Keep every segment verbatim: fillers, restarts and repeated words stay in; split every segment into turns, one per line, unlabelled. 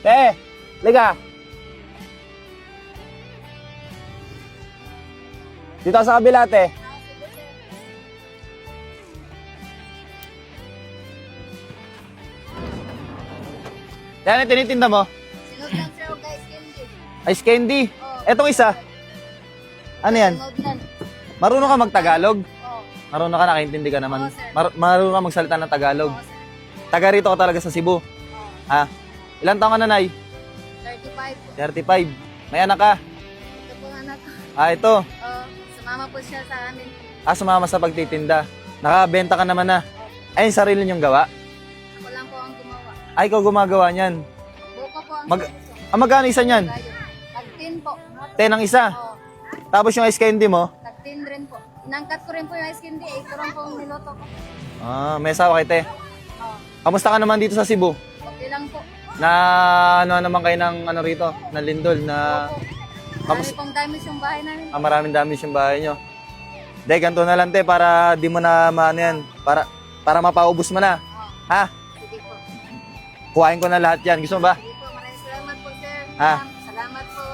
Te, liga. Dito sa kabila, te. Yan, ano tinitinda mo?
Sinog lang sir, guys, candy.
Ice candy.
Oh,
Etong isa. Ano yan?
sinog lang.
Marunong ka mag-Tagalog?
Oh,
Marunong ka, nakaintindi ka naman.
Oo, sir.
Mar marunong ka magsalita ng Tagalog.
oh, sir.
Taga rito ka talaga sa Cebu.
Oh,
Ha? Ilan taon ka na, Nay?
thirty-five po.
thirty-five. May anak ka?
Ito po ang anak ko.
Ah, ito.
Oh, sumama po siya sa amin.
Ah, sumama sa pagtitinda. Nakabenta ka naman na. Ay, yung sarili niyong gawa?
Ako lang po ang gumawa.
Ay, ikaw gumagawa niyan.
Buko po ang
Mag-
suso.
Ah, magkano isa niyan?
Tag-tin po.
ten ang isa.
Oh,
Tapos yung ice candy mo?
tag-tin rin po. Inangkat ko rin po yung ice candy. Eh, ito lang po ang niloto ko.
Ah, may asawa kay te.
Oh,
Kamusta ka naman dito sa Cebu?
okay lang po.
Na ano naman kayo ng ano rito? Na lindol na
Opo.
Kamus-
Marami pong damage yung bahay namin.
ah, maraming damage yung bahay nyo. Dahil ganito na lang te para di mo na maano yan. Para, para mapaubos mo na.
Oh,
Ha?
sige po.
Kuhain ko na lahat yan. Gusto mo ba?
Sige po, maraming salamat po, sir.
Ha?
Ma'am, salamat po.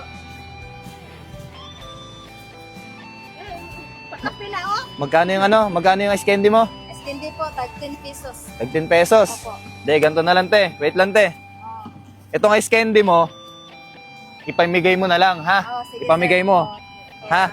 Kapila, oh.
Magkano yung ano? Magkano yung ice candy mo?
Ice candy po, tag ten pesos.
Tag ten pesos.
Opo.
Dahil ganito na lang te. Wait lang te.
Oh.
Itong ice candy mo, ipamigay mo na lang, ha?
Oh, sige,
Ipamigay
sir.
mo.
Oh,
Ha?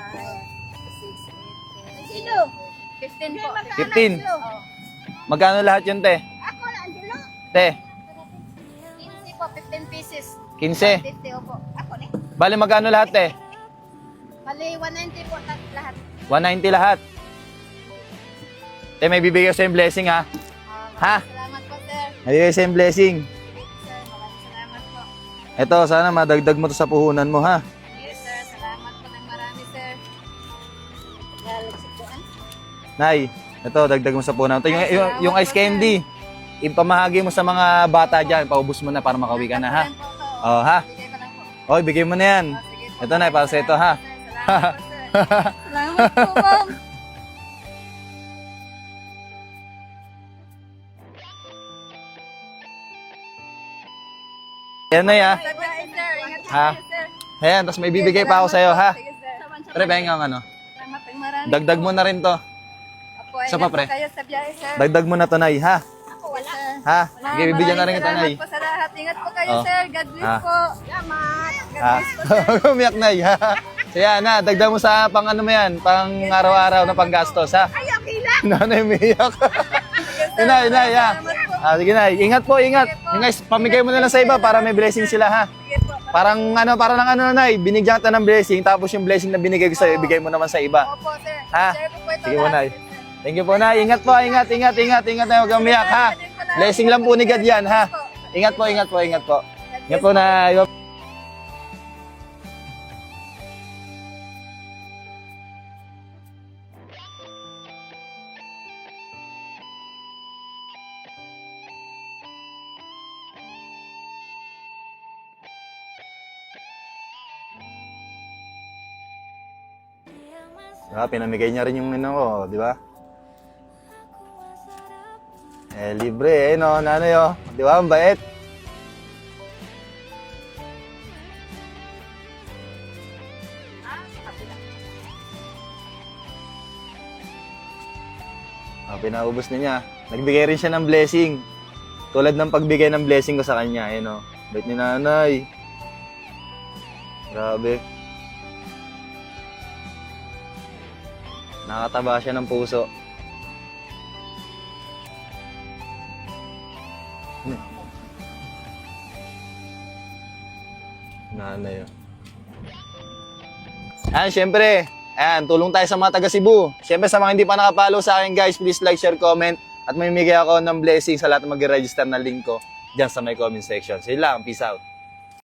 Sino? fifteen po.
fifteen.
Oh.
Magkano lahat yun te?
Ako na, Angelo.
Te,
fifteen po, fifteen pieces.
fifteen.
fifty, opo. Ako na.
Bali magkano lahat te?
Mali, one ninety po tat- lahat.
one ninety lahat. Te, may bibigay ko sa blessing, ha?
Oh,
Ha?
Salamat po, sir.
May bibigay sa blessing.
Sige, sir. Maraming salamat po.
Ito, sana madagdag mo to sa puhunan mo, ha?
Yes, sir. Salamat po ng marami, sir. Galagsikuan.
Nay, ito, dagdag mo sa puhunan. Ito, yung, yung, yung ice candy. Ipamahagi mo sa mga bata dyan. Paubos mo na para makauwi ka na, ha? Oh, ha?
Bigay ko lang po.
O, bigay mo na yan.
Oh, sige po.
Ito, Nay, para sa ito, ha?
Salamat po, sir. Salamat po, ma'am.
Yan, Nay, ha?
Sige, sir. Ingat po
Ha?
kayo, sir.
Ayan, tapos may bibigay pa ako sa'yo, ha?
Sige, sir.
Pre, pahinga ang ano.
Salamat ng marami.
Dagdag mo na rin to.
Opo,
Isa
ingat
pa,
po
pre.
kayo sa biyahe, sir.
Dagdag mo na to, Nay, ha?
Ako, wala.
Ha?
Wala,
Sige, bibigyan na rin
maraming
kita, Nay.
Salamat po sa lahat. Ingat po kayo,
Oh.
sir. God bless
Ha?
po. Salamat. God
Ha?
bless po, sir.
Umiyak, Nay, ha? So yan, ha? Dagdag mo sa pang ano mo yan, pang araw-araw na panggastos, ha?
Ay, okay lang.
Nanay, umiyak. Inay, inay, ha? Ah, sige, Nay. Ingat po, ingat. Yung guys, pamigay mo na lang sa iba para may blessing sila, ha?
Sige po.
Parang ano, parang lang ano, Nay, binigyan kita ng blessing, tapos yung blessing na binigay ko sa'yo, ibigay mo naman sa iba.
Opo, sir.
Ha?
Share po po ito
Sige po,
lahat,
Nay.
sir.
Thank you po, Nay. Ingat po, ingat, ingat, ingat, ingat na huwag kang umiyak, ha? Blessing lang po ni God yan, ha? Ingat po, ingat po, ingat po. Ingat po, Nay. Ah, pinamigay niya rin yung ano ko, di ba? Eh, libre eh, no? Nanay, oh. Di ba? Ang bait. Ah, pinaubos na niya. Nagbigay rin siya ng blessing. Tulad ng pagbigay ng blessing ko sa kanya, eh, no? Bait ni nanay. Grabe. Nakataba siya ng puso. Nanay, oh. Ayan, syempre. Ayan, tulong tayo sa mga taga Cebu. Syempre, sa mga hindi pa nakapollow sa akin, guys, please like, share, comment. At may mimigay ako ng blessing sa lahat ng mag-register na link ko dyan sa my comment section. So, yun lang. Peace out.